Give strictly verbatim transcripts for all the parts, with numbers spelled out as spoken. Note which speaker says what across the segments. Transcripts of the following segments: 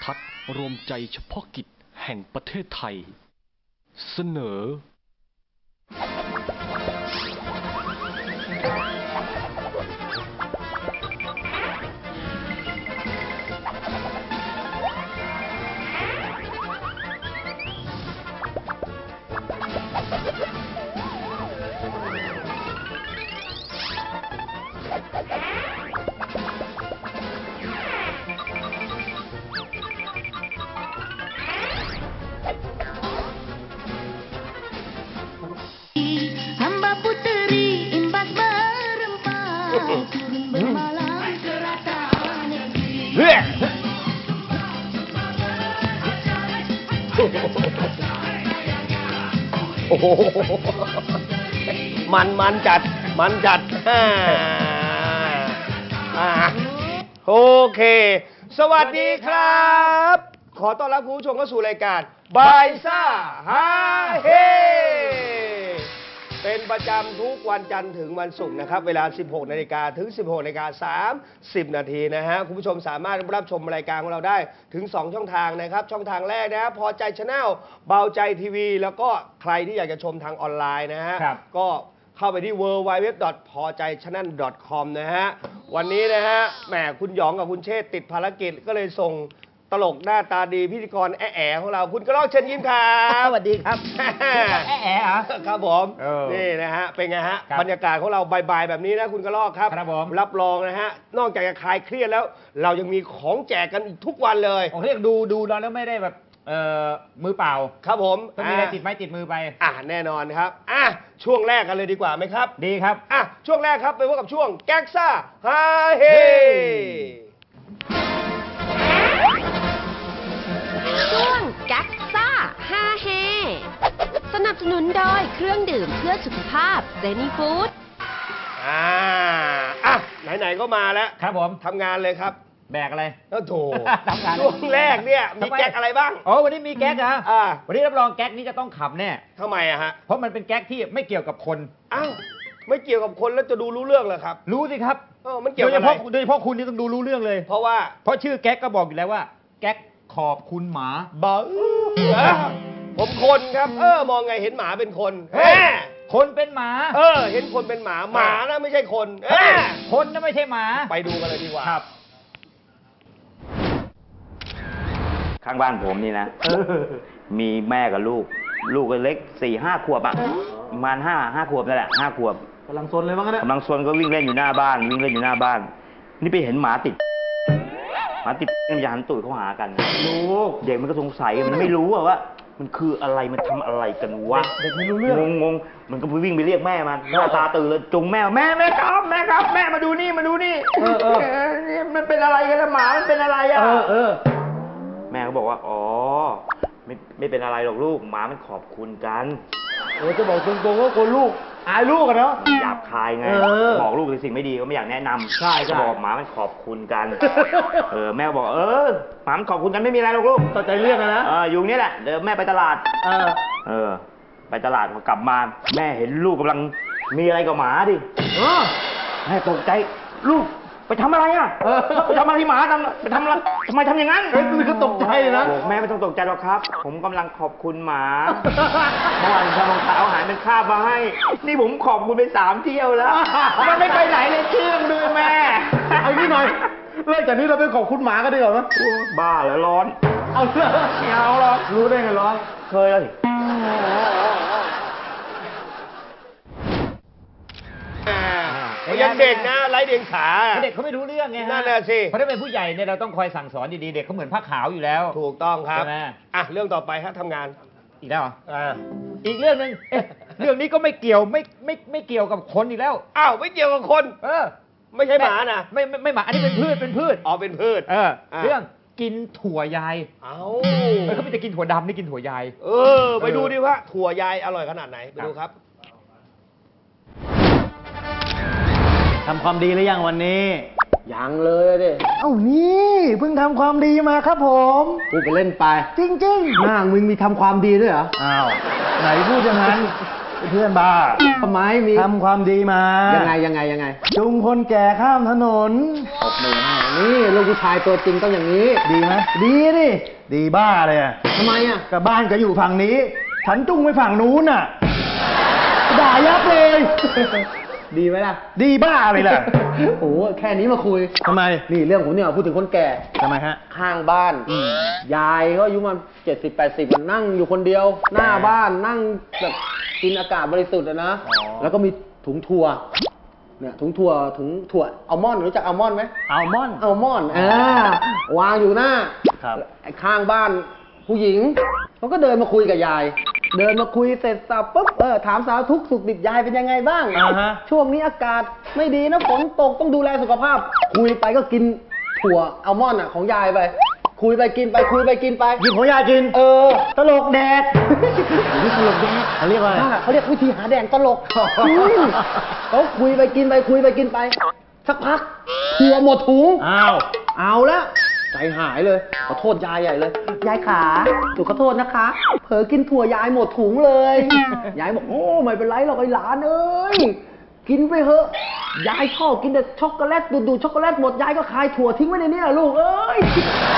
Speaker 1: ทัศน์รวมใจเฉพาะกิจแห่งประเทศไทยเสนอ
Speaker 2: โอ้โหมันมันจัดมันจัดอ่าอ่าโอเคสวัสดีครับขอต้อนรับคุณผู้ชมเข้าสู่รายการบายซ่าฮาเฮเป็นประจำทุกวันจันทร์ถึงวันศุกร์นะครับเวลา สิบหกนาฬิกา ถึง สิบหกนาฬิกาสามสิบ นาทีนะฮะคุณผู้ชมสามารถรับชมรายการของเราได้ถึงสองช่องทางนะครับช่องทางแรกนะพอใจชาแนลเบาใจทีวีแล้วก็ใครที่อยากจะชมทางออนไลน์นะฮะก็เข้าไปที่ ดับเบิลยู ดับเบิลยู ดับเบิลยู ดอท พอใจชาแนล ดอท คอม นะฮะวันนี้นะฮะแหมคุณหยองกับคุณเชษติดภารกิจก็เลยส่งตลกหน้าตาดีพิธีกรแอ๋ๆของเราคุณกระรอกเชิญยิ้มครับ
Speaker 3: สวัสดีครับแอ๋ๆเหรอ
Speaker 2: ครับผมนี่นะฮะเป็นไงฮะบรรยากาศของเราบ่ายๆแบบนี้นะคุณกระรอกครับ
Speaker 3: ครับผม
Speaker 2: รับรองนะฮะนอกจากจะคลายเครียดแล้วเรายังมีของแจกกันอีกทุกวันเลย
Speaker 3: ผมเรียกดูดูแล้วไม่ได้แบบเอ่อมือเปล่า
Speaker 2: ครับผม
Speaker 3: ต้องมีอะไรติดไม้ติดมือไป
Speaker 2: อ่ะแน่นอนครับอ่ะช่วงแรกกันเลยดีกว่าไหมครับ
Speaker 3: ดีครับ
Speaker 2: อ่ะช่วงแรกครับไปพบกับช่วงแก๊กซ่าฮาเฮ
Speaker 4: ช่วงแก๊กซ่าฮาเฮสนับสนุนโดยเครื่องดื่มเพื่อสุขภาพเซนีฟู้ด
Speaker 2: อ่าอ่ะไหนๆก็มาแล้ว
Speaker 3: ครับผม
Speaker 2: ทำงานเลยครับ
Speaker 3: แบกอะไร
Speaker 2: แล้วโถ
Speaker 3: ทำงาน
Speaker 2: ช่วงแรกเนี่ยมีแก๊กอะไรบ้าง
Speaker 3: อ๋อวันนี้มีแก๊กนะ
Speaker 2: อ่า
Speaker 3: วันนี้รับรองแก๊กนี้จะต้องขำแน่
Speaker 2: ทำไมอะฮะ
Speaker 3: เพราะมันเป็นแก๊กที่ไม่เกี่ยวกับคน
Speaker 2: อ้าวไม่เกี่ยวกับคนแล้วจะดูรู้เรื่องเหรอครับ
Speaker 3: รู้สิครับ
Speaker 2: เออมันเกี่ยวกับอะไร
Speaker 3: โดยเฉพาะคุณนี่ต้องดูรู้เรื่องเลย
Speaker 2: เพราะว่า
Speaker 3: เพราะชื่อแก๊กก็บอกอยู่แล้วว่าแก๊กขอบคุณหมา
Speaker 2: บ้าผมคนครับเออมองไงเห็นหมาเป็นคน
Speaker 3: คนเป็นหมา
Speaker 2: เออเห็นคนเป็นหมาหมานะไม่ใช่คน
Speaker 3: คนนะไม่ใช่หมา
Speaker 2: ไปดูกันเลยดีกว่า
Speaker 3: ครับ
Speaker 5: ข้างบ้านผมนี่นะมีแม่กับลูกลูกก็เล็กสี่ห้าขวบอ่ะประมาณห้าห้าขวบนั่นแหละห้าขวบ
Speaker 3: กำลังซนเลยมั้งเนี่ย
Speaker 5: กำลังซนก็วิ่งเล่นอยู่หน้าบ้านวิ่งเล่นอยู่หน้าบ้านนี่ไปเห็นหมาติดหมาติดมันจะหันตูดเข้าหากัน
Speaker 3: ลูก
Speaker 5: เด็กมันก็สงสัยมันไม่รู้ว่ามันคืออะไรมันทำอะไรกันวะ
Speaker 3: เด็กไม่รู้เรื่อง
Speaker 5: งงงมันก็ไปวิ่งไปเรียกแม่มันหน้าตาตื่นเลยจุงแม่แม่แม่ครับแม่ครับแม่มาดูนี่มาดูนี่
Speaker 3: เออเออ
Speaker 5: มันเป็นอะไรกันล่ะหมามันเป็นอะไรอ่ะ
Speaker 3: เออเออ
Speaker 5: แม่ก็บอกว่าอ๋อไม่ไม่เป็นอะไรหรอกลูกหมามันขอบคุณกัน
Speaker 3: เออจะบอกตรงๆว่าคนลูกอายลูกอะเนาะ
Speaker 5: หยาบคายไงบอกลูกในสิ่งไม่ดีก็ไม่อยากแนะนำ
Speaker 3: ใช่
Speaker 5: ก็บอกหมามันขอบคุณกันเออแม่บอกเออหมามันขอบคุณกันไม่มีอะไรหรอกลูก
Speaker 3: เข้าใจเรื่องนะ
Speaker 5: เอออยู่นี่แหละเดี๋ยวแม่ไปตลาด
Speaker 3: เออ
Speaker 5: เออไปตลาดพอกลับมาแม่เห็นลูกกำลังมีอะไรกับหมาดิ
Speaker 3: เออ
Speaker 5: แม่ตกใจลูกไปทำอะไรอ่ะไปทำอะไรที่หมาทำไปทำอะไรทำไมทำอย่างนั้น
Speaker 3: เฮ้ยมันก็ตกใจนะ
Speaker 5: แม่ไม่ต้องตกใจหรอกครับผมกำลังขอบคุณหมาเมื่อวานทำรองเท้าอาหารเป็นคาบมาให้นี่ผมขอบคุณไปสามเที่ยวแล้วมันไม่ไปไหนเลยเชื่องด้วยแม่
Speaker 3: เอางี้หน่อยเลิกจากนี้เราไปขอบคุณหมากันดีกว่าไหม
Speaker 5: บ้าแล้วร้อน
Speaker 3: เอาเสื้อไม่เอาหรอกรู้ได้ไงร้อน
Speaker 5: เคยเลย
Speaker 2: ยังเด็กนะไร้เดียงสา
Speaker 3: เด็กเขาไม่รู้เรื่องไง
Speaker 2: นั่นแหละสิ
Speaker 3: เพราะถ้าเป็นผู้ใหญ่เนี่ยเราต้องคอยสั่งสอนดีๆเด็กเขาเหมือนผ้าขาวอยู่แล้ว
Speaker 2: ถูกต้องครับอ่ะเรื่องต่อไปครับทำงาน
Speaker 3: อีกแล้วอ่าอีกเรื่องหนึ่งเรื่องนี้ก็ไม่เกี่ยวไม่ไม่ไม่เกี่ยวกับคนอีกแล้ว
Speaker 2: อ้าวไม่เกี่ยวกับคน
Speaker 3: เออ
Speaker 2: ไม่ใช่หมานะ
Speaker 3: ไม่ไม่ไม่หมาอันนี้เป็นพืชเป็นพืช
Speaker 2: อ๋อเป็นพืช
Speaker 3: เออเรื่องกินถั่วยาย
Speaker 2: เอ้า
Speaker 3: เขาไม่จะกินถั่วดำนี่กินถั่วยาย
Speaker 2: เออไปดูดิว่าถั่วยายอร่อยขนาดไหนไปดูครับ
Speaker 3: ทำความดีหรือยังวันนี้
Speaker 2: ยังเลยดิ
Speaker 3: เอ้านี่เพิ่งทำความดีมาครับผม
Speaker 2: พูดไปเล่นไป
Speaker 3: จริงๆ
Speaker 2: หน้ามึงมีทำความดีด้วยเหรอ
Speaker 3: อ้าวไหนพูดอย่างนั้นเพื่อนบ้า
Speaker 6: ทำไมมี
Speaker 3: ทำความดีมา
Speaker 6: ยังไงยังไงยังไง
Speaker 3: จูงคนแก่ข้ามถนน
Speaker 6: ตบมือให้นี่ลูกผู้ชายตัวจริงต้องอย่างนี้
Speaker 3: ดีไหมดีดิดีบ้าเลยอะ
Speaker 6: ทำไมอ่ะ
Speaker 3: กับบ้านก็อยู่ฝั่งนี้ ฉันจุ้งไปฝั่งนู้นน่ะด่ายับเลย
Speaker 6: ดีไหมล่ะ
Speaker 3: ดีบ้าเลยล่ะ
Speaker 6: โอ้โหแค่นี้มาคุย
Speaker 3: ทำไม
Speaker 6: นี่เรื่องผมเนี่ยพูดถึงคนแก่
Speaker 3: ทำไมฮะ
Speaker 6: ข้างบ้าน ยายก็อายุมาเจ็ดสิบแปดสิบมันนั่งอยู่คนเดียว หน้าบ้านนั่งแบบกินอากาศบริสุทธิ์อะนะ
Speaker 3: อ๋อ
Speaker 6: แล้วก็มีถุงถั่วเนี่ยถุงถั่วถุงถั่วอัลมอนด์รู้จักอัลมอนด์ไหม
Speaker 3: อัลมอนด์
Speaker 6: อัลมอนด์อ่าวางอยู่หน้า
Speaker 3: ครับ
Speaker 6: ไอ้ข้างบ้านผู้หญิงเขาก็เดินมาคุยกับยาย เดินมาคุยเสร็จสับปุ๊บเออถามสารทุกข์สุขดิบยายเป็นยังไงบ้าง
Speaker 3: อ่าฮะ
Speaker 6: ช่วงนี้อากาศไม่ดีนะฝนตกต้องดูแลสุขภาพ คุยไปก็กินถั่วอัลมอนด์อ่ะของยายไป คุยไปกินไปคุยไปกินไป
Speaker 3: หยิบของยากิน
Speaker 6: เออ
Speaker 3: ตลกแดก
Speaker 6: นี่ตลกแดก
Speaker 3: เขาเรียกว่าอะไร
Speaker 6: เขาเรียกวิธีหาแดงตลกอืมเขาคุยไปกินไปคุยไปกินไป สักพักถั่วหมดถุง
Speaker 3: อ้าว
Speaker 6: เอาแล้วใจหายเลยขอโทษยายใหญ่เลย ยายขาหนูขอโทษนะคะ เผลอกินถั่วยายหมดถุงเลย ยายบอกโอ้ไม่เป็นไรหรอกไอ้หลานเอ้ยกินไปเถอะยายชอบกินแต่ช็อกโกแลตดูดๆช็อกโกแลตหมดยายก็คายถั่วทิ้งไว้ในนี้ลูกเอ้ย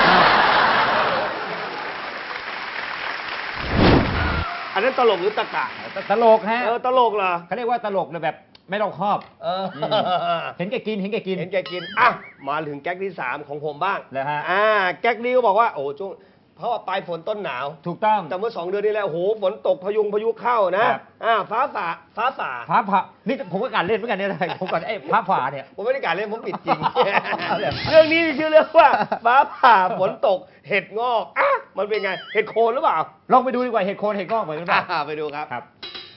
Speaker 2: อันนั้นตลกหรือตะกะ
Speaker 3: ตลกฮะ
Speaker 2: เออตลกเหรอ
Speaker 3: เขาเรียกว่าตลกเลยแบบไม่รอบคอบ
Speaker 2: เออ
Speaker 3: เห็นแกกินเห็นแกกิน
Speaker 2: เห็นแกกินอ่ะมาถึงแก๊กที่สามของผมบ้าง
Speaker 3: เลยฮะ
Speaker 2: อ่าแก๊กนี้ก็บอกว่าโอ้ช่วงเพราะว่าปลายฝนต้นหนาว
Speaker 3: ถูกต้อง
Speaker 2: แต่เมื่อสองเดือนที่แล้วโอ้โหฝนตกพายุงพายุเข้านะครับ อ่าฟ้าฝ่าฟ้าฝ่า
Speaker 3: ฟ้าผ่านี่ผมก็การเล่นเหมือนกันเนี่ยผมก่อนไอ้ฟ้าผ่าเนี่ย
Speaker 2: ผมไม่ได้การเล่นผมปิดจริง
Speaker 3: เอาเลย
Speaker 2: เรื่องนี้ชื่อเรื่องว่าฟ้าผ่าฝนตกเห็ดงอกอ่ะมันเป็นไงเห็ดโคนหรือเปล่า
Speaker 3: ลองไปดูดีกว่าเห็ดโคนเห็ดงอกเหมือนกันป่ะ
Speaker 2: อ่าไปดูครับ
Speaker 3: ครับ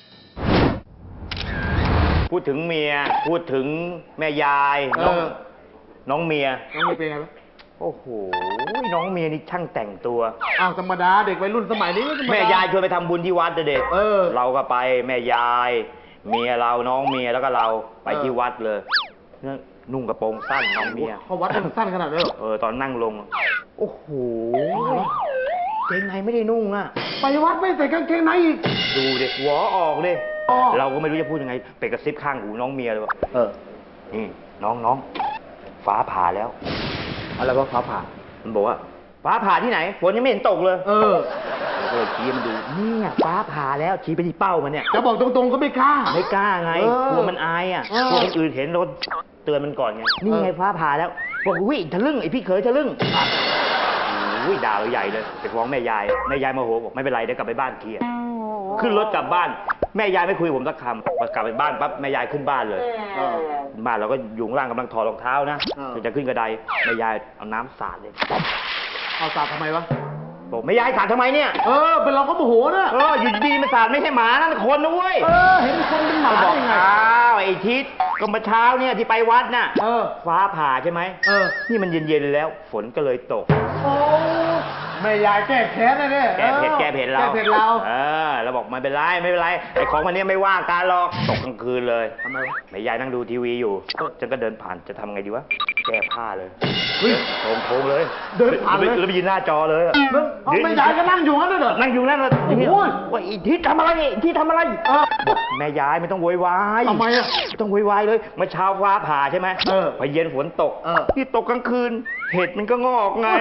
Speaker 5: พูดถึงเมีย พูดถึงแม่ยาย
Speaker 6: เอ
Speaker 5: น้อง
Speaker 6: อ
Speaker 5: น้องเมีย
Speaker 6: น้องมีเป็นไงบ้าง
Speaker 5: โอ้โห น้องเมียนี่ช่างแต่งตัว
Speaker 6: อ้าวธรรมดาเด็กวัยรุ่นสมัยนี้ก็ธรรมดา
Speaker 5: แม่ยายชวนไปทำบุญที่วัดเด็ก
Speaker 6: เออ
Speaker 5: เราก็ไปแม่ยาย เมียเราน้องเมียแล้วก็เราไป
Speaker 6: เออ
Speaker 5: ที่วัดเลยเนี่ยนุ่งกระโปรงสั้นน้องเมีย
Speaker 6: เขาวัดมันสั้นขนาดนั้นเหรอ
Speaker 5: เออตอนนั่งลง โอ้โหเกงในไม่ได้นุ่งอ่ะ
Speaker 6: ไปวัดไม่ใส่กางเกงในอีก
Speaker 5: ดูเด็กหัวออกเลย
Speaker 6: อ๋อ
Speaker 5: เราก็ไม่รู้จะพูดยังไงไปกระซิบข้างหูน้องเมียเลยว่า
Speaker 6: เออ
Speaker 5: นี่น้องน้องฟ้าผ่าแล้ว
Speaker 6: อะไรวะฟ้าผ่า
Speaker 5: มันบอกว่าฟ้าผ่าที่ไหนฝนยังไม่เห็นตกเลย
Speaker 6: เออ
Speaker 5: เราก็เลยชี้ให้มันดูเนี่ยฟ้าผ่าแล้วชี้ไปที่เป้ามันเนี่ย
Speaker 6: จะบอกตรงๆก็ไม่กล้า
Speaker 5: ไม่กล้าไง
Speaker 6: เออก
Speaker 5: ลัวมันอายอ่ะ
Speaker 6: เออ
Speaker 5: กลัวคนอื่นเห็นรถเตือนมันก่อนไงนี่ไงฟ้าผ่าแล้วบอกวิทะลึ่งไอพี่เขยทะลึ่งอุ้ยด่าเราใหญ่เลยไปฟ้องแม่ยายแม่ยายโมโหบอกไม่เป็นไรเดี๋ยวกลับไปบ้านเคลียร์ขึ้นรถกลับบ้านแม่ยายไม่คุยกับผมสักคำพอกลับไปบ้านปั๊บแม่ยายขึ้นบ้านเลย
Speaker 6: เออ
Speaker 5: บ้านเราก็อยู่ข้างล่างกำลังถอดรองเท้านะ
Speaker 6: เออ
Speaker 5: จะขึ้นกระไดแม่ยายเอาน้ำสาดเลย
Speaker 6: เอาสาดทำไมวะ
Speaker 5: บอกแม่ยายสาดทำไมเนี่ย
Speaker 6: เออ เป็นเราก็โมโหนะ
Speaker 5: เอออยู่ดีๆมันสาดไม่ใช่หมานั่นคนนะเว้ย
Speaker 6: เออ เห็นคนเป็นหมา
Speaker 5: ก็บอก
Speaker 6: ได้ไง
Speaker 5: อ้าวไอ้ทิศก็มาเช้าเนี่ยที่ไปวัดน่ะ
Speaker 6: เออ
Speaker 5: ฟ้าผ่าใช่ไหม
Speaker 6: เออ
Speaker 5: นี่มันเย็นๆแล้ว ฝนก็เลยตก
Speaker 6: โอ้แม่ยายแก้แค้นนะเนี่ย
Speaker 5: แก้เผ็ดแก้เผ็ดเรา
Speaker 6: แก้เผ็ดเรา
Speaker 5: เออเราบอกไม่เป็นไรไม่เป็นไรไอ้ของมันเนี้ยไม่ว่าการหรอกตกกลางคืนเลย
Speaker 6: ทำไมวะ
Speaker 5: แม่ยายนั่งดูทีวีอยู่ฉันก็เดินผ่านจะทำไงดีวะแก้ผ้าเลย
Speaker 6: เฮ้ย
Speaker 5: โถงโถงเลย
Speaker 6: เดินผ่านเลย
Speaker 5: แล้วไปยืนหน้าจอเลยอะ
Speaker 6: แล้วเอาแม่ยายก็นั่งอยู่งั้นเลยเหรอ
Speaker 5: นั่งอยู่นั่นเลย
Speaker 6: โอ้โห
Speaker 5: ว่าไอ้ทิศทำอะไรไอ้ทิศทำอะไร
Speaker 6: เออ
Speaker 5: แม่ยายไม่ต้องโวยวาย
Speaker 6: ทำไมอะ
Speaker 5: ไม่ต้องโวยวายเลยเมื่อเช้าฟ้าผ่าใช่ไหม
Speaker 6: เออ
Speaker 5: พอเย็นฝนตก
Speaker 6: เออ
Speaker 5: นี่ตกกลางคืน เห็ดมันก็งอกไง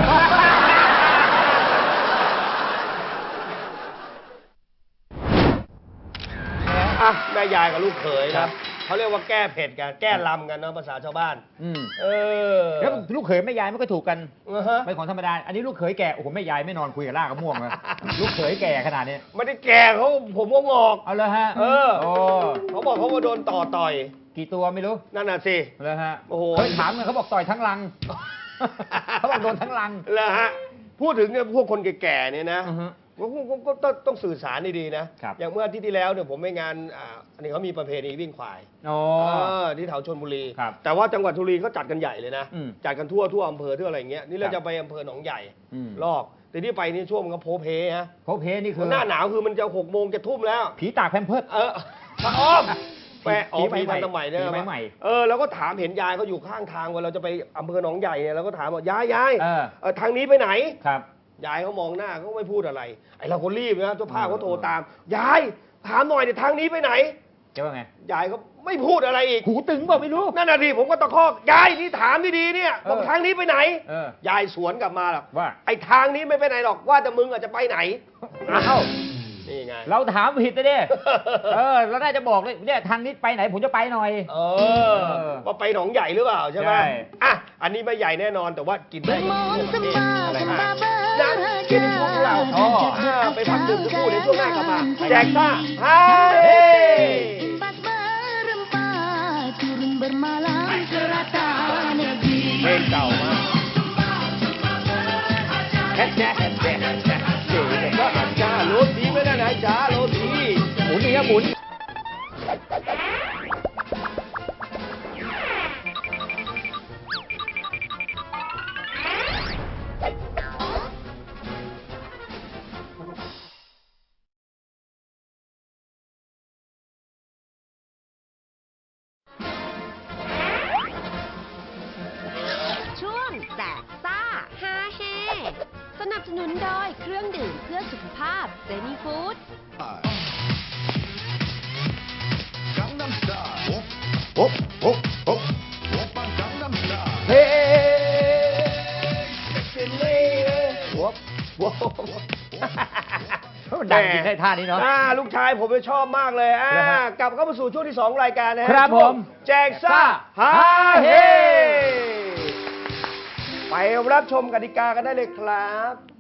Speaker 2: อ่ะแม่ยายกับลูกเขยครับเขาเรียกว่าแก้เผ็ดกันแก้ลำกันเนาะภาษาชาวบ้าน
Speaker 3: อืม
Speaker 2: เออ
Speaker 3: แล้วลูกเขยแม่ยายมันก็ถูกกัน
Speaker 2: อ่าฮะ
Speaker 3: เป็นของธรรมดา อันนี้ลูกเขยแก่ โอ้โหแม่ยายไม่นอนคุยกับล่ากกระม่วงเลย ลูกเขยแก่ขนาดนี้
Speaker 2: ไม่ได้แก่เขาผมก็งอก
Speaker 3: เอาเลยฮะ
Speaker 2: เออ
Speaker 3: โอ้
Speaker 2: เขาบอกเขาว่าโดนต่อต่อย
Speaker 3: กี่ตัวไม่รู้
Speaker 2: นั่นน่ะสิ
Speaker 3: เอาเลยฮะ
Speaker 2: โอ้โห
Speaker 3: เคยถามกันเขาบอกต่อยทั้งลัง เขาบอกโดนทั้งลัง
Speaker 2: แล้วฮะพูดถึงเนี่ยพวกคนแก่ๆเนี่ยนะ
Speaker 3: อือฮึ
Speaker 2: ผมผมผมก็ต้องต้องสื่อสารดีๆนะครับ อย่างเมื่ออาทิตย์ที่แล้วเนี่ยผมไปงานอ่าอันนี้เขามีประเพณีวิ่งควาย
Speaker 3: อ๋อ
Speaker 2: เออที่แถวชลบุรี
Speaker 3: ครับ
Speaker 2: แต่ว่าจังหวัดชลบุรีเขาจัดกันใหญ่เลยนะ
Speaker 3: อืม
Speaker 2: จัดกันทั่วทั่วอำเภอทั่วอะไรอย่างเงี้ยนี่เรา
Speaker 3: ครับ
Speaker 2: จะไปอำเภอหนองใหญ่
Speaker 3: อืม
Speaker 2: ลอกแต่ที่ไปนี่ช่วงมันก็โพเพฮะ
Speaker 3: โพเพนี่คือ
Speaker 2: หน้าหนาวคือมันจะหกโมงจะทุ่มแล้ว
Speaker 3: ผีตากแพมเพิร์ส
Speaker 2: เออพระอ้อมแปะอ๋อ
Speaker 3: ผี
Speaker 2: ผี
Speaker 3: ใหม่
Speaker 2: ทันสมัยเนี่ย
Speaker 3: ผีใหม่
Speaker 2: เออแล้วก็ถามเห็นยายเขาอยู่ข้างทางเวลาเราจะไปอำเภอหนองใหญ่เนี่ยเราก็ถามว่ายายยาย
Speaker 3: เออ
Speaker 2: เออทางนี้ไปไหน
Speaker 3: ครับ
Speaker 2: ยายเขามองหน้าเขาไม่พูดอะไร ไอเราก็รีบนะเจ้าภาพเขาโทร
Speaker 3: เออ
Speaker 2: ตาม ยายถามหน่อยเนี่ยทางนี้ไปไหน
Speaker 3: จะว่าไง
Speaker 2: ยายก็ไม่พูดอะไรอีก
Speaker 3: หูตึงเปล่าไม่รู้
Speaker 2: นั่นน่ะดิผมก็ตะคอกยายนี่ถามดีๆเนี่ยบอก
Speaker 3: เออ
Speaker 2: ทางนี้ไปไหน
Speaker 3: เออ
Speaker 2: ยายสวนกลับมาหรอก
Speaker 3: ว่า
Speaker 2: ไอ้ทางนี้ไม่ไปไหนหรอกว่าแต่มึงอาจจะไปไหน
Speaker 3: อ้าว
Speaker 2: นี่ไง
Speaker 3: เราถามผิดนะเด้ เออเราน่าจะบอกเลยเนี่ยทางนี้ไปไหนผมจะไปหน่อย
Speaker 2: เออว่าไปหนองใหญ่หรือเปล่าใช่ไหม
Speaker 3: ใช่
Speaker 2: อ่ะอันนี้ไม่ใหญ่แน่นอนแต่ว่ากินได้กับพวกประเทศอะไรนะ
Speaker 4: นะ
Speaker 2: นะกินพวกเรา
Speaker 3: อ๋อ
Speaker 2: อ่าไปพักดื่มสักครู่เดี๋ยวช่วงหน้ากลับมาแจกซ่าฮาเฮ เพลงเก่ามากแค่แจ๊แค่แจ๊แค่แจ๊เจ๋งก็อาจารย์โรตีไม่ได้นะจ้าโรตี
Speaker 3: หมุนอย่างเงี้ยหมุน
Speaker 4: ช่วงแจกซ่าฮาเฮสนับสนุนโดยเครื่องดื่มเพื่อสุขภาพเซนีฟู้ด
Speaker 2: เฮ้เซนเล่วบวบ
Speaker 3: ดังจริงได้ท่านี้เนาะ
Speaker 2: อ่าลูกชายผมชอบมากเลยอ่า
Speaker 3: เหรอฮะ
Speaker 2: กลับเข้ามาสู่ช่วงที่สองรายการนะฮะ
Speaker 3: ครับ
Speaker 2: ช่วง
Speaker 3: ผม
Speaker 2: แจกซ่าฮาเฮไปรับชมกติกากันได้เลยครับ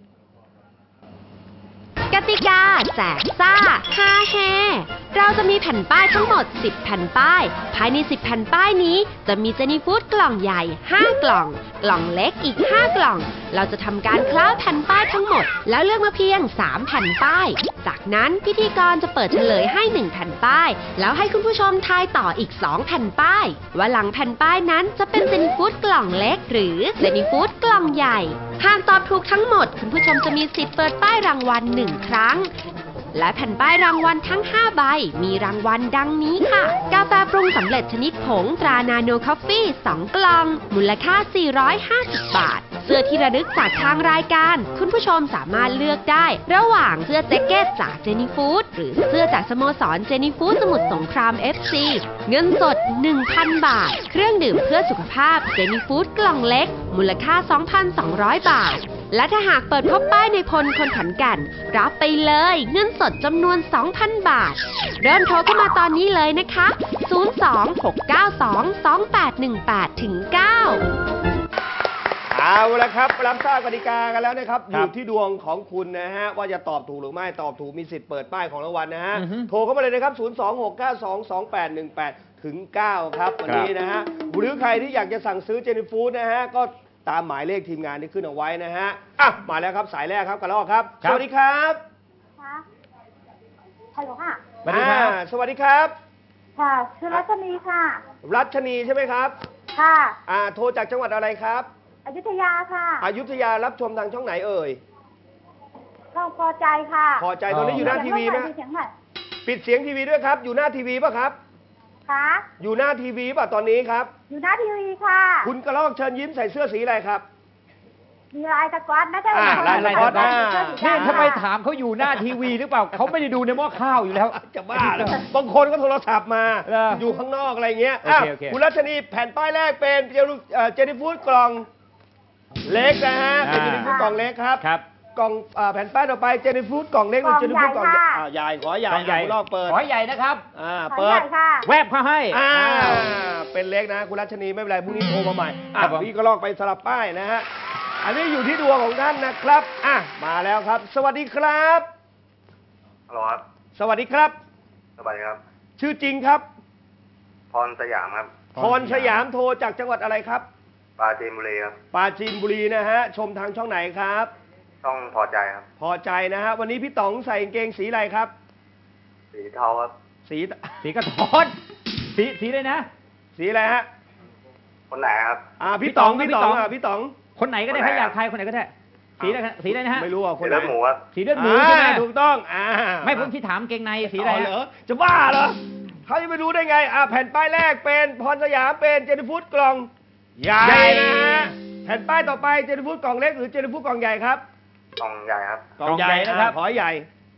Speaker 4: กติกาแจกซ่าฮาเฮเราจะมีแผ่นป้ายทั้งหมด สิบ แผ่นป้าย ภายใน สิบ แผ่นป้ายนี้ จะมีเจนี่ฟู้ดกล่องใหญ่ ห้า กล่อง กล่องเล็กอีก ห้า กล่อง เราจะทำการคล้าแผ่นป้ายทั้งหมด แล้วเลือกมาเพียง สาม แผ่นป้าย จากนั้นพิธีกรจะเปิดเฉลยให้ หนึ่ง แผ่นป้าย แล้วให้คุณผู้ชมทายต่ออีก สอง แผ่นป้าย ว่าหลังแผ่นป้ายนั้นจะเป็นเจนี่ฟู้ดกล่องเล็ก หรือเจนี่ฟู้ดกล่องใหญ่ หากตอบถูกทั้งหมด คุณผู้ชมจะมีสิทธิ์เปิดป้ายรางวัลหนึ่งครั้ง และแผ่นป้ายรางวัลทั้ง ห้า ใบ มีรางวัลดังนี้ค่ะ กาแฟปรุงสำเร็จชนิดผงตรานาโนคอฟฟี่ สอง กล่อง มูลค่า สี่ร้อยห้าสิบ บาท เสื้อที่ระลึกจากทางรายการ คุณผู้ชมสามารถเลือกได้ ระหว่างเสื้อแจ็คเก็ตจากเจนี่ฟู้ดหรือเสื้อจากสโมสรเจนี่ฟู้ดสมุทรสงคราม เอฟ ซี เงินสด หนึ่งพัน บาท เครื่องดื่มเพื่อสุขภาพเจนี่ฟู้ดกล่องเล็ก มูลค่า สองพันสองร้อย บาท และถ้าหากเปิดพบป้ายในพลคนขันแกันรับไปเลยเงินสดจำนวน สองพัน บาท เริ่มโทรเข้ามาตอนนี้เลยนะคะ ศูนย์ สอง หก เก้า สอง สอง แปด หนึ่ง แปด เก้า
Speaker 2: เอาละครับรับทราบกติกากันแล้วนะครับอ
Speaker 3: ครับ
Speaker 2: ยู่ที่ดวงของคุณนะฮะว่าจะตอบถูกหรือไม่ตอบถูกมีสิทธิ์เปิดป้ายของรางวัลนะฮะ
Speaker 3: อือฮึ
Speaker 2: โทรเข้ามาเลยนะครับ ศูนย์ สอง หก เก้า สอง สอง แปด หนึ่ง แปด ถึง เก้า ครับวันนี้นะฮะหรือใครที่อยากจะสั่งซื้อเจนี่ฟู้ดนะฮะก็ตามหมายเลขทีมงานที่ขึ้นเอาไว้นะฮะอ่ะมาแล้วครับสายแรกครับกระรอกครับ
Speaker 3: ครับ
Speaker 2: สวัสดีครับ
Speaker 7: ค่ะฮัลโหลค่ะ
Speaker 3: สวัสดีครับ
Speaker 2: อ่าสวัสดีครับ
Speaker 7: ค่ะชื่อรัชนีค่ะ
Speaker 2: รัชนีใช่ไหมครับ
Speaker 7: ค่ะ
Speaker 2: อ่าโทรจากจังหวัดอะไรครับ
Speaker 7: อยุธยาค่ะ
Speaker 2: อยุธยารับชมทางช่องไหนเอ่ย
Speaker 7: ก็พอใจค่ะ
Speaker 2: พอใจตอนนี้อยู่หน้าทีวีไหม
Speaker 7: เสียงหน่อย
Speaker 2: ปิดเสียงทีวีด้วยครับ อยู่หน้าทีวีป่ะครับ
Speaker 7: ค่ะ
Speaker 2: อยู่หน้าทีวีป่ะตอนนี้ครับ
Speaker 7: อยู่หน้าทีวีค่ะ
Speaker 2: คุณกระรอกเชิญยิ้มใส่เสื้อสีอะไรครับ
Speaker 7: มีลายสก๊อตนะใช่ไหม
Speaker 2: อ่าลายสก๊อต
Speaker 7: ใช่
Speaker 2: อ่า
Speaker 7: เสื้อสี
Speaker 3: นี่
Speaker 7: ดำ
Speaker 3: ทำไมถามเขาอยู่หน้าทีวีหรือเปล่า เขาไม่ได้ดูในหม้อข้าวอยู่แล้ว
Speaker 2: จะบ้าเหรอบางคนก็โทรศัพท์มา
Speaker 3: เหรอ
Speaker 2: อยู่ข้างนอกอะไรเงี้ย
Speaker 3: โอเค
Speaker 2: อ่ะ
Speaker 3: โอเค
Speaker 2: คุณรัชนีแผ่นป้ายแรกเป็นเจลูเอ่อเจนี่ฟู้ดกล่องเล็กนะฮะเป็นเจนี่ฟู้ดกล่องเล็กครับ
Speaker 3: ครับ
Speaker 2: กล่องอ่าแผ่นป้ายต่อไปเจนี่ฟู้ดกล่องเล็กหรือเจนี่ฟู้ดกล่องใหญ่อ่าใหญ่ขอใหญ่
Speaker 3: กล่องใหญ่
Speaker 2: คุณลอกเปิด
Speaker 3: ขอใหญ่นะครับ
Speaker 2: อ่า
Speaker 7: ขอ
Speaker 2: เปิ
Speaker 7: ให
Speaker 2: ด
Speaker 7: ญ่ค่ะ
Speaker 3: แวบเข้าให้
Speaker 2: อ่า
Speaker 3: อ้าว
Speaker 2: เป็นเล็กนะคุณรัชนีไม่เป็นไรพรุ่งนี้โทรมาใหม่
Speaker 3: ครั
Speaker 2: อ่ะ
Speaker 3: บผม
Speaker 2: พี่ก็ลอกไปสลับป้ายนะฮะอันนี้อยู่ที่ดวงของท่านนะครับอ่ะมาแล้วครับ สวัสดีครับ
Speaker 8: ฮัลโหลครับ
Speaker 2: สวัสดีครับ
Speaker 8: สวัสดีครับ
Speaker 2: ชื่อจริงครับ
Speaker 8: พรสยามครับ
Speaker 2: พรสยามโทรจากจังหวัดอะไรครับ
Speaker 8: ปราจีนบุรีครับ
Speaker 2: ปราจีนบุรีนะฮะชมทางช่องไหนครับ
Speaker 8: ช่องพอใจครับ
Speaker 2: พอใจนะฮะวันนี้พี่ต๋องใส่กางเกงสีอะไรครับ
Speaker 8: สีเทาครับ
Speaker 2: สี
Speaker 3: สีกระท้อนสีสีเลยนะ
Speaker 2: สีอะไรฮะ
Speaker 8: คนไหนครับ
Speaker 2: อ่า
Speaker 3: พี่
Speaker 2: พี่ต๋อง
Speaker 3: ต๋อง
Speaker 2: พี่ต๋อง
Speaker 3: พี่ต๋อง
Speaker 2: อ่ะพี่ต๋อง
Speaker 3: คนไหนก็ได้
Speaker 8: คนไหน
Speaker 3: ถ้าอยากทายคนไหนก็ได้ สีอะไรสีอะไรนะฮะ
Speaker 2: ไม่รู้อ่ะคน
Speaker 8: สี
Speaker 2: ไหน
Speaker 8: เลือดหมูครับ
Speaker 3: สีเลือดหมูใช่ไหม
Speaker 2: อ่าถูกต้องอ่า
Speaker 3: ไม่ผมที่ถามเกงในสีอะไร
Speaker 2: อ๋อ
Speaker 3: ฮะ
Speaker 2: เหรอจะบ้าเหรอเขาจะไปรู้ได้ไงอ่าแผ่นป้ายแรกเป็นพรสยามเป็นเจนิฟูดกล่องใหญ่นะฮะแผ่นป้ายต่อไปเจนิฟูดกล่องเล็กหรือเจนิฟูดกล่องใหญ่ครับ
Speaker 8: กล่องใหญ่ครับ
Speaker 2: กล่องใหญ่นะครับขอให้ใหญ่
Speaker 3: ผ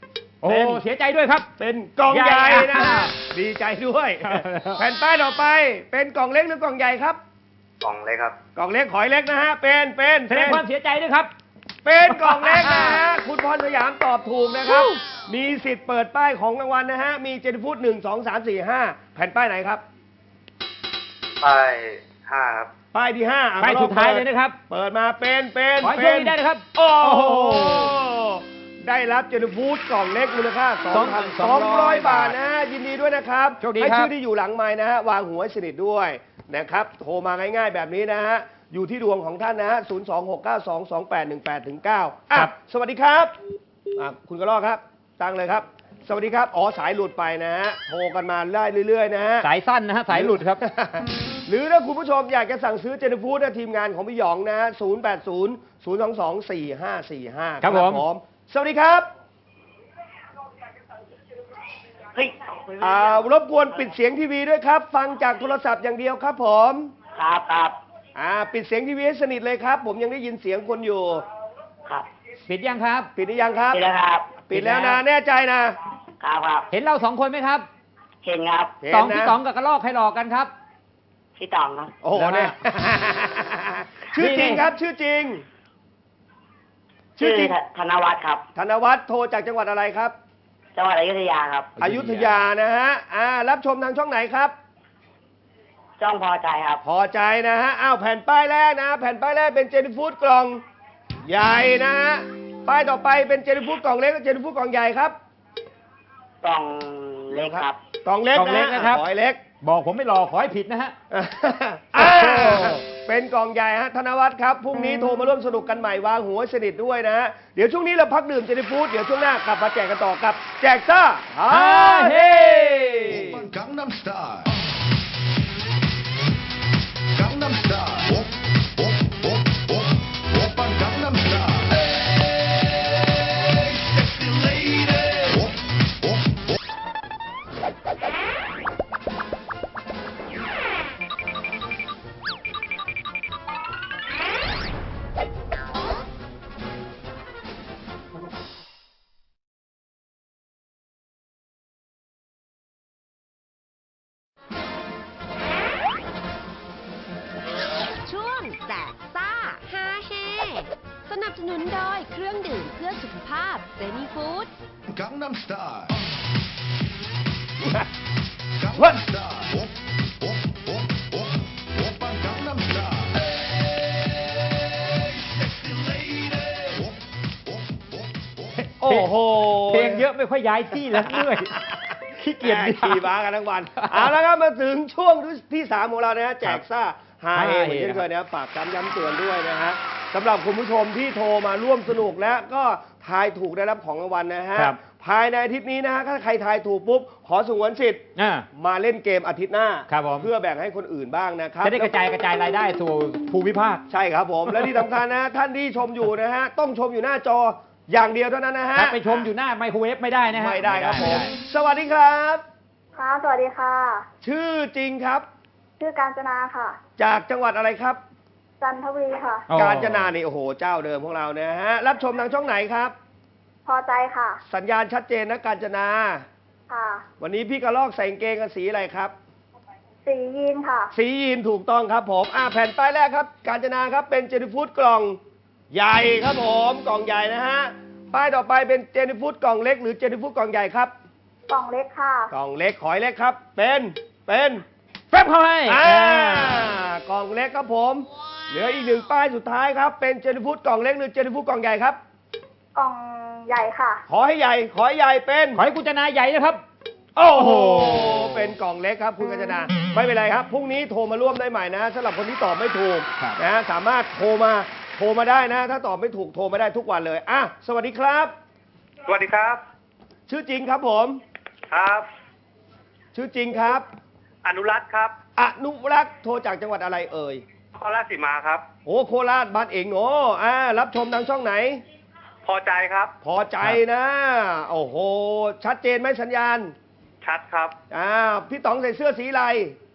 Speaker 3: โอ้
Speaker 2: เป็น
Speaker 3: เสียใจด้วยครับ
Speaker 2: เป็นกล่องใหญ่
Speaker 3: ใหญ่
Speaker 2: นะ
Speaker 3: อ่ะ
Speaker 2: ดีใจด้วย แผ่นป้ายต่อไปเป็นกล่องเล็กหรือกล่องใหญ่ครับ
Speaker 8: กล่องเล็กครับ
Speaker 2: กล่องเล็กขอยเล็กนะฮะเป็นเป็น
Speaker 3: แสดงความเสียใจด้วยครับ
Speaker 2: เป็นกล่องเล็กนะฮะคุณพรสยามตอบถูกนะครับ มีสิทธิ์เปิดป้ายของรางวัลนะฮะมีเจนฟูดหนึ่งสองสามสี่ห้าแผ่นป้ายไหนครับ
Speaker 8: ป้ายห้าครับ
Speaker 2: ป้ายที่ห้าอ่ะ
Speaker 3: ป้าย
Speaker 2: กระรอก
Speaker 3: สุดท้ายเลยนะครับ
Speaker 2: เปิดมาเป็นเป็น
Speaker 3: ขอให้
Speaker 2: เป็
Speaker 3: โชคดีได้นะครับ
Speaker 2: โอ้
Speaker 3: โอ้
Speaker 2: โห
Speaker 3: โห
Speaker 2: ได้รับเจนฟูดกล่องเล็กมูลค่า
Speaker 3: สองพันสองร้อย
Speaker 2: บาทนะฮะยินดีด้วยนะครับ
Speaker 3: โชคดี
Speaker 2: ให้
Speaker 3: ครับ
Speaker 2: ชื่อที่อยู่หลังไม้นะฮะวางหัวให้สนิทด้วยนะครับโทรมาง่ายๆแบบนี้นะฮะอยู่ที่ดวงของท่านนะฮะศูนย์ สอง หก เก้า สอง สอง แปด หนึ่ง แปด ถึง เก้าอ่ะสวัสดีครับอ่ะคุณกระรอกครับตั้งเลยครับ สวัสดีครับอ๋อสายหลุดไปนะฮะโทรกันมาได้เรื่อยๆนะฮะ
Speaker 3: สายสั้นนะฮะสายหลุดครับ
Speaker 2: หรือถ้าคุณผู้ชมอยากจะสั่งซื้อเจนฟูดนะทีมงานของพี่หยองนะฮะศูนย์ แปด ศูนย์ ศูนย์ สอง สอง สี่ ห้า สี่ ห้า
Speaker 3: ครับผม
Speaker 2: สวัสดีครับ
Speaker 5: เฮ้ย
Speaker 2: อ่ารบกวนปิดเสียงทีวีด้วยครับ ฟังจากโทรศัพท์อย่างเดียวครับผม
Speaker 5: ครับครับ
Speaker 2: อ่าปิดเสียงทีวีให้สนิทเลยครับ ผมยังได้ยินเสียงคนอยู่
Speaker 5: ครับ
Speaker 3: ปิดยังครับ
Speaker 2: ปิดหรือยังครับ
Speaker 5: นี่แหละครับ
Speaker 2: ปิดแล้วนะแน่ใจนะครับ
Speaker 5: ครับ
Speaker 3: เห็นเราสองคนไหมครับ
Speaker 5: เห็นครับ
Speaker 2: เห็น
Speaker 3: ตอง
Speaker 2: นะ
Speaker 3: พี่ตองกับกระรอกใครหลอกกันครับ
Speaker 5: พี่ตองครับ
Speaker 2: โอ้โหเนี่ย ชื่อจริงครับ ชื่อจริง ชื่อจริง
Speaker 5: ธนวัฒน์ครับ
Speaker 2: ธนวัฒน์โทรจากจังหวัดอะไรครับ
Speaker 5: จังหวัดอยุธยาครับ
Speaker 2: อยุธยานะฮะอ่ารับชมทางช่องไหนครับ
Speaker 5: จ้องพอใจครับ
Speaker 2: พอใจนะฮะ อ้าวแผ่นป้ายแรกนะ แผ่นป้ายแรกเป็นเจนฟูดกล่องใหญ่นะฮะ ป้ายต่อไปเป็นเจนฟูดกล่องเล็กกับเจนฟูดกล่องใหญ่ครับ
Speaker 5: กล่องเล็กครับ
Speaker 2: กล่องเล็ก
Speaker 3: กล่องเล็ก
Speaker 2: นะ
Speaker 3: นะ
Speaker 2: ฮะ
Speaker 3: ครับ
Speaker 2: ขอยเล็ก
Speaker 3: บอกผมไม่หลอกขอให้ผิดนะฮะ
Speaker 2: อ่าเป็นกล่องใหญ่ฮะธนวัฒน์ครับ พรุ่งนี้โทรมาร่วมสนุกกันใหม่วางหัวให้สนิทด้วยนะฮะ เดี๋ยวช่วงนี้เราพักดื่มเจนฟูดเดี๋ยวช่วงหน้ากลับมาแจกกันต่อกับ แจกซ่าฮาเฮ
Speaker 9: Gangnam Style. Gangnam Style. Op, op, op, op. Oppa Gangnam Style. Hey, sexy lady. Op, op, op.
Speaker 4: ช่วงแจกซ่าฮาเฮสนับสนุนโดยเครื่องดื่มเพื่อสุขภาพเซนีฟู้ด
Speaker 9: Gangnam Style.
Speaker 2: What?
Speaker 9: Gangnam Style. Op, op, op, op. Oppa Gangnam Style. Hey, sexy lady. Op, op, op, op.
Speaker 2: โอ้โห
Speaker 3: เพลงเยอะไม่ค่อยย้ายที่แล้วเมื่อยขี้เกียจ
Speaker 2: แหม่ขี่ม้ากันทั้งวัน เอาละครับมาถึงช่วงที่สามของเรานะฮะแจกซ่าฮาเฮเหมือนเช่นเคยนะครับฝากย้ำย้ำเตือนด้วยนะฮะสำหรับคุณผู้ชมที่โทรมาร่วมสนุกและก็ทายถูกได้รับของรางวัลนะฮะ
Speaker 3: ครับ
Speaker 2: ภายในอาทิตย์นี้นะฮะถ้าใครทายถูกปุ๊บขอสงวนสิทธิ์
Speaker 3: อ่า
Speaker 2: มาเล่นเกมอาทิตย์หน้า
Speaker 3: ครับผม
Speaker 2: เพื่อแบ่งให้คนอื่นบ้างนะครับ
Speaker 3: จะได้กระจายกระจายรายได้สู่ภูมิภาค
Speaker 2: ใช่ครับผม และที่สำคัญนะท่านที่ชมอยู่นะฮะต้องชมอยู่หน้าจออย่างเดียวเท่านั้นนะฮะ
Speaker 3: ถ้าไปชมอยู่หน้าไมโครเวฟไม่ได้นะฮะ
Speaker 2: ไม่ได้ครับผม
Speaker 3: ไได้
Speaker 2: สวัสดีครับ
Speaker 7: ค่ะ สวัสดีค่ะ
Speaker 2: ชื่อจริงครับ
Speaker 7: ชื่อการจนาค่ะ
Speaker 2: จากจังหวัดอะไรครับ
Speaker 7: จันทบุรีค่ะ
Speaker 3: อ๋อ
Speaker 2: การจนานี่โอ้โหเจ้าเดิมของเรานะฮะรับชมทางช่องไหนครับ
Speaker 7: พอใจค่ะ
Speaker 2: สัญญาณชัดเจนนะการจนา
Speaker 7: ค่ะ
Speaker 2: วันนี้พี่กระลอกใส่กางเกงกันสีอะไรครับ
Speaker 7: สียีนค่ะ
Speaker 2: สียีนถูกต้องครับผมอ่าแผ่นป้ายแรกครับ การจนาครับเป็นเจนฟูดกล่องใหญ่ครับผมกล่องใหญ่นะฮะป้ายต่อไปเป็นเจนฟูดกล่องเล็กหรือเจนฟูดกล่องใหญ่ครับ
Speaker 7: กล่องเล็กค่ะ
Speaker 2: กล่องเล็กขอยเล็กครับ เป็นเป็น
Speaker 3: แฟบเข้าให้
Speaker 2: อ่า
Speaker 3: อ่าก
Speaker 2: ล่องเล็กครับผม เหลืออีกหนึ่งป้ายสุดท้ายครับเป็นเจนฟูดกล่องเล็กหรือเจนฟูดกล่องใหญ่ครับ
Speaker 7: กล่องใหญ่ค่ะ
Speaker 2: ขอให้ใหญ่ ขอให้ใหญ่เป็น
Speaker 3: ขอให้กุญจนาใหญ่นะครับ
Speaker 2: โอ้โห
Speaker 3: โอ้โห
Speaker 2: เป็นกล่องเล็กครับคุณกัญจนา ไม่เป็นไรครับ พรุ่งนี้โทรมาร่วมได้ใหม่นะสำหรับคนที่ตอบไม่ถูก
Speaker 3: ครับ
Speaker 2: นะ สามารถโทรมา โทรมาได้นะ ถ้าตอบไม่ถูกโทรมาได้ทุกวันเลย อ่ะ สวัสดีครับ
Speaker 8: สวัสดีครับ
Speaker 2: ชื่อจริงครับผม
Speaker 8: ครับ
Speaker 2: ชื่อจริงครับ
Speaker 8: อนุรัตน์ครับ
Speaker 2: อนุรักษ์โทรจากจังหวัดอะไรเอ่ย
Speaker 8: นครราชสีมาครับ
Speaker 2: โอ้โคราชบ้านเองโอ้อ่า รับชมทางช่องไหน
Speaker 8: พอใจครับ
Speaker 2: พอใจนะ โอ้โห ชัดเจนไหมสัญญาณ
Speaker 8: ชัดครับ
Speaker 2: อ่า พี่ต๋องใส่เสื้อสีอะไร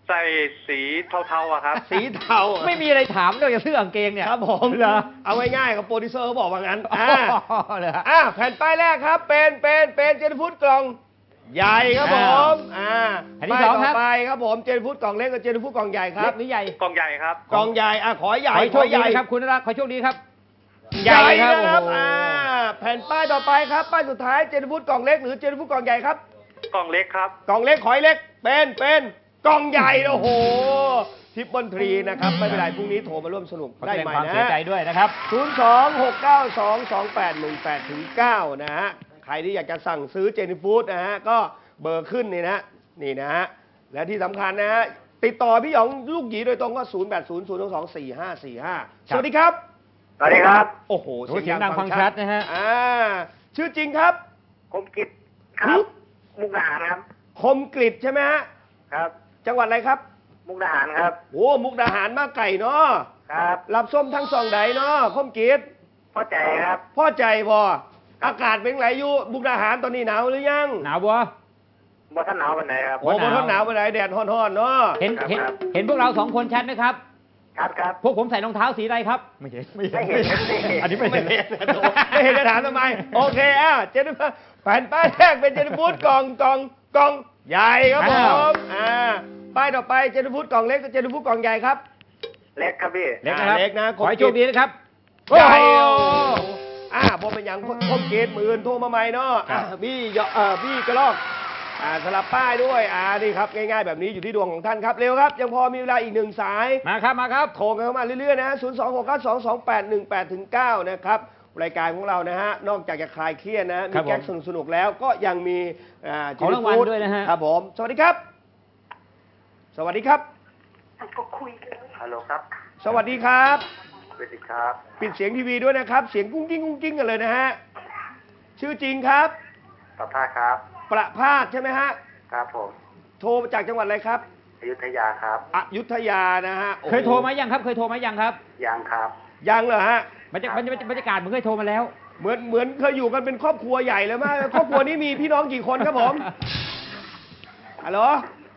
Speaker 8: ใส่สีเทาๆอะครับ
Speaker 2: สีเทา
Speaker 3: ไม่มีอะไรถามนอกจากเสื้อกางเกงเนี่ย
Speaker 2: ครับผม
Speaker 3: เหรอ
Speaker 2: เอาง่ายๆกับโปรดิวเซอร์เขาบอกว่างั้น
Speaker 3: อ๋
Speaker 2: อ่า
Speaker 3: อเหรอ
Speaker 2: อ่าแผ่นป้ายแรกครับ เป็นเป็นเป็นเจนฟูดกล่องใหญ่ครับผมอ่า
Speaker 3: แผ่นที่
Speaker 2: ป้าย
Speaker 3: สอง
Speaker 2: ต่
Speaker 3: ครั
Speaker 2: อบ ไปครับผมเจนฟูดกล่องเล็กกับเจนฟูดกล่องใหญ่ครั
Speaker 3: เล็
Speaker 2: บ
Speaker 3: กหรือใหญ่
Speaker 8: กล่องใหญ่ครับ
Speaker 2: กล่องใหญ่อ่ะขอให
Speaker 3: ข
Speaker 2: ญ่
Speaker 3: อให้โช
Speaker 2: ขอ
Speaker 3: ค
Speaker 2: ให
Speaker 3: ดี
Speaker 2: ญ่
Speaker 3: นะครับคุณนรักขอให้โชคดีครับ
Speaker 2: ใหญ่
Speaker 3: ครับ
Speaker 2: นะครับ
Speaker 3: โอ้โห
Speaker 2: อ่าแผ่นป้ายต่อไปครับป้ายสุดท้ายเจนฟูดกล่องเล็กหรือเจนฟูดกล่องใหญ่ครับ
Speaker 8: กล่องเล็กครับ
Speaker 2: กล่องเล็กขอยเล็กเป็นเป็นกล่องใหญ่โอ้โหทิปเปิลทรีนะครับไม่เป็นไรพรุ่งนี้โทรมาร่วมสนุก
Speaker 3: ขอ
Speaker 2: ได้
Speaker 3: แสดง
Speaker 2: ใหม่
Speaker 3: ความ
Speaker 2: นะ
Speaker 3: เสียใจด้วยนะครับ
Speaker 2: ศูนย์ สอง หก เก้า สอง สอง แปด หนึ่ง แปด ถึง เก้า นะฮะ ใครที่อยากจะสั่งซื้อเจนี่ฟู้ดนะฮะ ก็เบอร์ขึ้นนี่นะ นี่นะฮะ และที่สำคัญนะฮะ ติดต่อพี่หยองลูกหยีโดยตรงก็ ศูนย์ แปด ศูนย์ ศูนย์ สอง สี่ ห้า สี่ ห้า สวัสดีครับ
Speaker 8: สวัสดีครับ
Speaker 2: โอ้โห
Speaker 3: โอ้เสียงดังฟังชัดนะฮะ
Speaker 2: อ่า ชื่อจริงครับ
Speaker 8: คมกิจครับ มุกดาหารครับ
Speaker 2: คมกริดใช่ไหมฮะ
Speaker 8: ครับ
Speaker 2: จังหวัดอะไรครับ
Speaker 8: มุกดาหารครับ
Speaker 2: โอ้มุกดาหารมาไก่เนาะ
Speaker 8: ครับ
Speaker 2: รับส้มทั้งสองใดเนาะคมกริด
Speaker 8: พ่อใจครับ
Speaker 2: พ่อใจพออากาศเป็นไงอยู่มุกดาหารตอนนี้หนาวหรือยัง
Speaker 3: หนาวบัว
Speaker 8: บ่ท่านหนาววันไหนครับ
Speaker 2: โอ้โหทนหนาวไปไหนแดดฮ้อนๆเนาะ
Speaker 3: เห็น
Speaker 8: ครับ
Speaker 3: เห็น
Speaker 8: ครับ
Speaker 3: เห็นพวกเราสองคนชัดไหมครับ
Speaker 8: ครับครับ
Speaker 3: พวกผมใส่รองเท้าสีอะไรครับ ไม่เห็นไม่
Speaker 8: ไม่เห็นไม่เห็น
Speaker 3: อันนี้ไม่
Speaker 2: ไม่
Speaker 3: เห็น
Speaker 2: เห็นไม่เห็นจะถามทำไม โอเคอ่ะเจนฟูดแผ่นป้ายแรกเป็นเจนฟูดกล่องกล่องกล่องใหญ่ครับผมอ่าป้ายต่อไปเจนฟูดกล่องเล็กกับเจนฟูดกล่องใหญ่ครับ
Speaker 8: เล็กครับพี่
Speaker 3: เล็กนะครับ
Speaker 2: เล็กนะ
Speaker 3: ขอให้โชคดีนะครับ
Speaker 2: ใหญ่
Speaker 3: โอ้
Speaker 2: โอ้
Speaker 3: โห
Speaker 2: อ่าผมเป็นอย่างคมเกตหมื่นโทรมาใหม่เนาะ
Speaker 3: ครับ
Speaker 2: อ่าบี้ยอเอ่อบี้กระลอกอ่าสลับป้ายด้วยอ่านี่ครับง่ายๆแบบนี้อยู่ที่ดวงของท่านครับเร็วครับ ยังพอมีเวลาอีกหนึ่งสาย
Speaker 3: มาครับมาครับ
Speaker 2: โทรกันเข้ามาเรื่อยๆนะศูนย์ สอง หก เก้า สอง สอง แปด หนึ่ง แปด ถึง เก้า นะครับ รายการของเรานะฮะ นอกจากจะคลายเครียดนะ
Speaker 3: ครั
Speaker 2: มี
Speaker 3: บผม
Speaker 2: แก๊กสนุกๆแล้วก็ยังมีอ่า
Speaker 3: ของรางวัล
Speaker 2: ฟู้
Speaker 3: ด้วยนะฮะ
Speaker 2: ครับผม สวัสดีครับ สวัสดีครับ
Speaker 8: ฮัลโหลครับ
Speaker 2: สวัสดีครับ
Speaker 8: สวัสดีครับ
Speaker 2: ปิดเสียงทีวีด้วยนะครับ เสียงกุ้งกิ้งกุ้งกิ้งกันเลยนะฮะ ชื่อจริงครับ
Speaker 8: ประภาครับ
Speaker 2: ประภาสใช่ไหมฮะ
Speaker 8: ครับผม
Speaker 2: โทรมาจากจังหวัดอะไรครับ
Speaker 8: อยุธยาครับ
Speaker 2: อยุธยานะฮะโอ้โห
Speaker 3: เคยโทรมายังครับ เคยโทรมายังครับ
Speaker 8: ยังครับ
Speaker 2: ยังเหรอฮะ
Speaker 3: บรรยากาศบรรยากาศเหมือนเคยโทรมาแล้ว
Speaker 2: เหมือนเหมือนเคยอยู่กันเป็นครอบครัวใหญ่เลยมาก ครอบครัวนี้มีพี่น้องกี่คนครับผม ฮัลโหล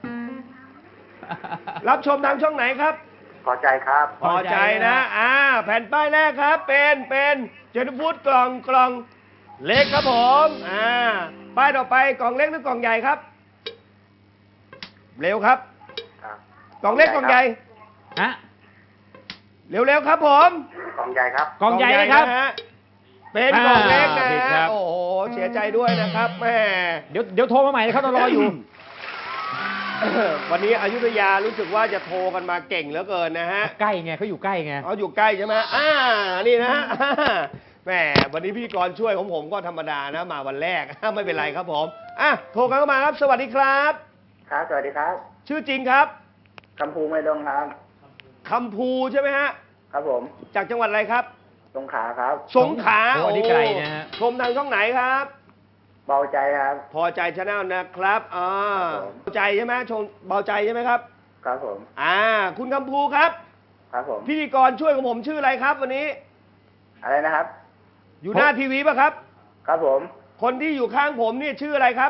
Speaker 2: รับชมทางช่องไหนครับ
Speaker 8: พอใจครับ
Speaker 2: พอใจนะ อ่า แผ่นป้ายแรกครับ เป็น เป็นเจนฟูดกล่องกล่องเล็กครับผม อ่า ป้ายต่อไปกล่องเล็กหรือกล่องใหญ่ครับ เร็วครับ
Speaker 8: ครับ
Speaker 2: กล่องเล็กกล่องใหญ่
Speaker 3: ฮะ
Speaker 2: เร็วๆครับผม
Speaker 8: กล่องใหญ่ครับ
Speaker 3: กล่องใหญ่นะครับ
Speaker 2: นะฮะเป็นกล่องเล็กนะ
Speaker 3: อ่าผิดครั
Speaker 2: ฮะ
Speaker 3: บ
Speaker 2: โอ้โห เสียใจด้วยนะครับแม่
Speaker 3: เดี๋ยวเดี๋ยวโทรมาใหม่นะครับเรารออยู่
Speaker 2: วันนี้อยุธยารู้สึกว่าจะโทรกันมาเก่งเหลือเกินนะฮะ
Speaker 3: ใกล้ไงเขาอยู่ใกล้ไง
Speaker 2: เขาอยู่ใกล้ใช่ไหมอ่า นี่นะฮะอ่าแหมวันนี้พิธีกรช่วยของผมก็ธรรมดานะ มาวันแรก ไม่เป็นไรครับผม อ่ะ โทรกันเข้ามาครับ สวัสดีครับ
Speaker 8: ครับ สวัสดีครับ
Speaker 2: ชื่อจริงครับ
Speaker 8: คำภูไม่ดงครับ
Speaker 2: คำภูใช่ไหมฮะ
Speaker 8: ครับผม
Speaker 2: จากจังหวัดอะไรครับ
Speaker 8: สงขลาครับ
Speaker 2: สงขลา
Speaker 3: โอ้อันนี้ไกลนะฮะ
Speaker 2: ชมทางช่องไหนครับ
Speaker 8: เบาใจครับ
Speaker 2: พอใจชาแนลนะครับอ่า
Speaker 8: ครับผม
Speaker 2: เบาใจใช่ไหมชมเบาใจใช่ไหมครับ
Speaker 8: ครับผม
Speaker 2: อ่า คุณคำภูครับ
Speaker 8: ครับผม
Speaker 2: พิธีกรช่วยของผมชื่ออะไรครับ วันนี้
Speaker 8: อะไรนะครับ
Speaker 2: อยู่หน้าทีวีป่ะครับ
Speaker 8: ครับผม
Speaker 2: คนที่อยู่ข้างผมนี่ชื่ออะไรครับ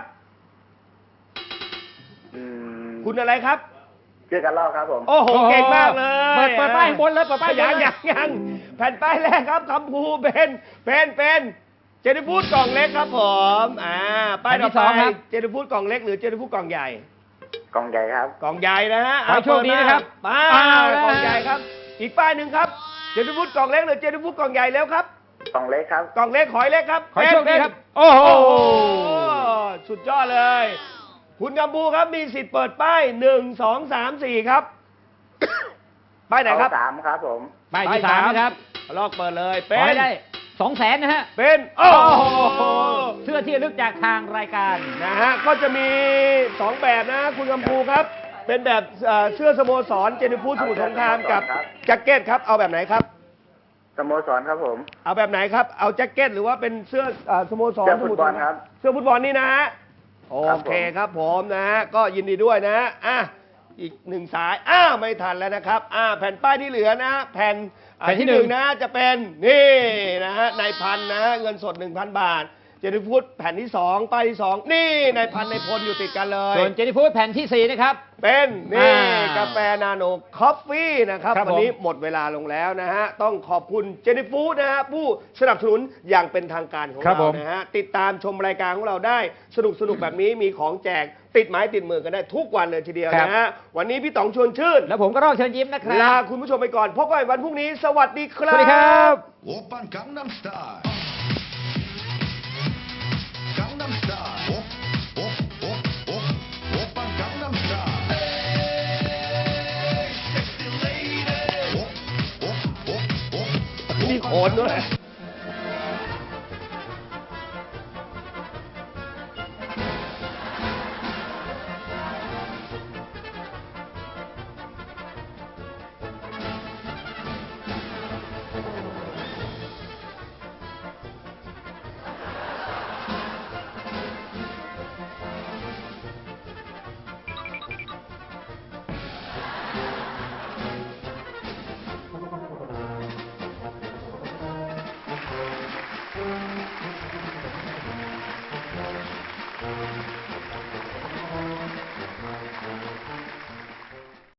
Speaker 8: อืม
Speaker 2: คุณอะไรครับ
Speaker 8: ชื่อกันลอกครับผม
Speaker 2: โอ้โห เก่งมากเลย
Speaker 3: เปิดเปิดป้ายข้างบนเลยเปิดป้าย
Speaker 2: ยัง
Speaker 3: บนเลย
Speaker 2: ยังยังแผ่นป้ายแรกครับคำภูเป็นเป็นเป็นเจนฟูดกล่องเล็กครับผมอ่าป้ายต่อไปเจนฟูดกล่องเล็กหรือเจนฟูดกล่องใหญ่
Speaker 8: กล่องใหญ่ครับ
Speaker 2: กล่องใหญ่นะฮะ
Speaker 3: ขอให้โชคดีนะครับ
Speaker 2: ป้า
Speaker 3: อ้าว
Speaker 2: กล่องใหญ่ครับ อีกป้ายหนึ่งครับเจนฟูดกล่องเล็กหรือเจนฟูดกล่องใหญ่แล้วครับ
Speaker 8: กล่องเล็กครับ
Speaker 2: กล่องเล็กขอยเล็กครับ
Speaker 3: ขอให้โชคดี
Speaker 2: เป็น
Speaker 3: ครับ โอ้โห
Speaker 2: โอ้โหสุดยอดเลย คุณกำพูครับมีสิทธิ์เปิดป้ายหนึ่งสองสามสี่ครับ ป้ายไหนครับ
Speaker 8: เอาสามครับผม
Speaker 3: ป้ายที่สามนะครับ
Speaker 2: ลอกเปิดเลย
Speaker 3: ข
Speaker 2: เป็
Speaker 3: อน ให้ได้สองแสนนะฮะ
Speaker 2: เป็นโอ้โห
Speaker 3: เสื้อที่ระลึกจากทางรายการ
Speaker 2: นะฮะก็จะมีสองแบบนะ คุณกำพูครับ เป็นแบบเอ่อเสื้อสโมสรเจนิฟูดสมุทรสงครามกับ
Speaker 8: ครับ
Speaker 2: แจ็คเก็ตครับเอาแบบไหนครับ
Speaker 8: สโมสรครับผม
Speaker 2: เอาแบบไหนครับ เอาแจ็คเก็ตหรือว่าเป็นเสื้อเอ่อสโมสร
Speaker 8: เสื้อฟุตบอลครับ
Speaker 2: เสื้อฟุตบอลนี่นะฮะ โอ
Speaker 8: ครับผม
Speaker 2: เคครับผมนะฮะ ก็ยินดีด้วยนะฮะอ่ะอีกหนึ่งสาย อ้าวไม่ทันแล้วนะครับ อ่าแผ่นป้ายที่เหลือนะ แผ่นอ่า
Speaker 3: แผ่นที่
Speaker 2: ที่หนึ่ง
Speaker 3: หนึ่ง
Speaker 2: นะจะเป็นนี่นะฮะนายพันนะฮะเงินสด หนึ่งพัน บาทเจนิฟูดแผ่นที่สองป้ายที่สองนี่นายพันธุ์นายพลอยู่ติดกันเลย
Speaker 3: ส่วนเจนี่ฟูดแผ่นที่สี่นะครับ
Speaker 2: เป็นนี่
Speaker 3: อ่าก
Speaker 2: าแฟนาโนคอฟฟี่นะครับ
Speaker 3: ครับ
Speaker 2: วันนี้
Speaker 3: ผม
Speaker 2: หมดเวลาลงแล้วนะฮะต้องขอบคุณเจนิฟูดนะฮะผู้สนับสนุนอย่างเป็นทางการของ
Speaker 3: ครับ
Speaker 2: เรา
Speaker 3: ผม
Speaker 2: นะฮะติดตามชมรายการของเราได้สนุกสนุกแบบนี้มีของแจกติดไม้ติดมือกันได้ทุกวันเลยทีเดียวนะฮะวันนี้พี่ต๋องชวนชื่น
Speaker 3: แล้วผมก็รอดเชิญยิ้มนะครับ
Speaker 2: ลาคุณผู้ชมไปก่อนพบกันใหม่วันพรุ่งนี้สวัสดีค
Speaker 3: ส
Speaker 2: รับ
Speaker 3: วัสดีครับ
Speaker 9: 오빤 강남스타일 강남스타일 오, 오, 오, 오, 오빤 강남스타일 Hey, sexy lady 오, 오, 오, 오,
Speaker 2: มีโขนด้วย